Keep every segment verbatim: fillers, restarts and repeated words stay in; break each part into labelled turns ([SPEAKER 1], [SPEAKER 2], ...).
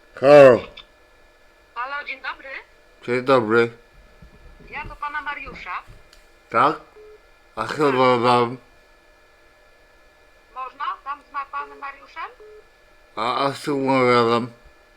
[SPEAKER 1] Halo,
[SPEAKER 2] Halo, dzień dobry.
[SPEAKER 1] dzień dobry.
[SPEAKER 2] Ja do pana Mariusza.
[SPEAKER 1] Tak? A chyba mam.
[SPEAKER 2] Można? Tam z ma panem Mariuszem?
[SPEAKER 1] A, a z czym mówiłem?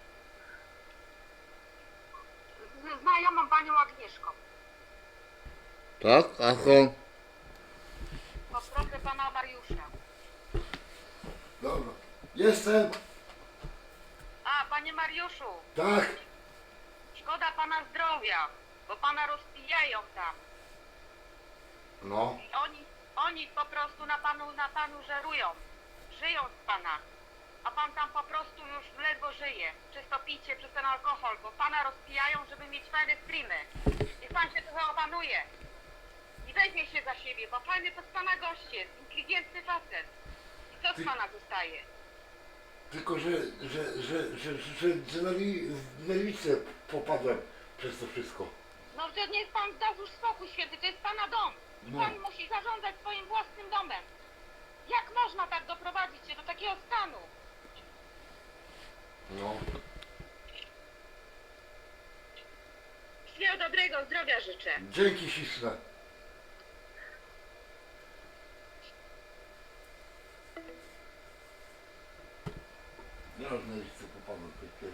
[SPEAKER 2] Z znajomą panią Agnieszką.
[SPEAKER 1] Tak? A są?
[SPEAKER 2] Poproszę pana Mariusza.
[SPEAKER 3] Dobra. Jestem.
[SPEAKER 2] A, panie Mariuszu,
[SPEAKER 3] Tak.
[SPEAKER 2] szkoda pana zdrowia, bo pana rozpijają tam.
[SPEAKER 3] No.
[SPEAKER 2] I oni, oni po prostu na panu, na panu żerują. Żyją z pana. A pan tam po prostu już ledwo żyje. Przez to picie, przez ten alkohol, bo pana rozpijają, żeby mieć fajne streamy. Niech pan się trochę opanuje. I weźmie się za siebie, bo fajny to z pana gość jest, inteligentny facet. I co z pana zostaje?
[SPEAKER 3] Tylko, że, że, że, że, że, że na li- w nerwicę popadłem przez to wszystko.
[SPEAKER 2] No to niech pan da już spokój święty, to jest pana dom. I
[SPEAKER 3] No.
[SPEAKER 2] pan musi zarządzać swoim własnym domem. Jak można tak doprowadzić się do takiego stanu?
[SPEAKER 3] No.
[SPEAKER 2] Wszystkiego dobrego, zdrowia życzę.
[SPEAKER 3] Dzięki śliczne. Ja w nerwicę popadłem.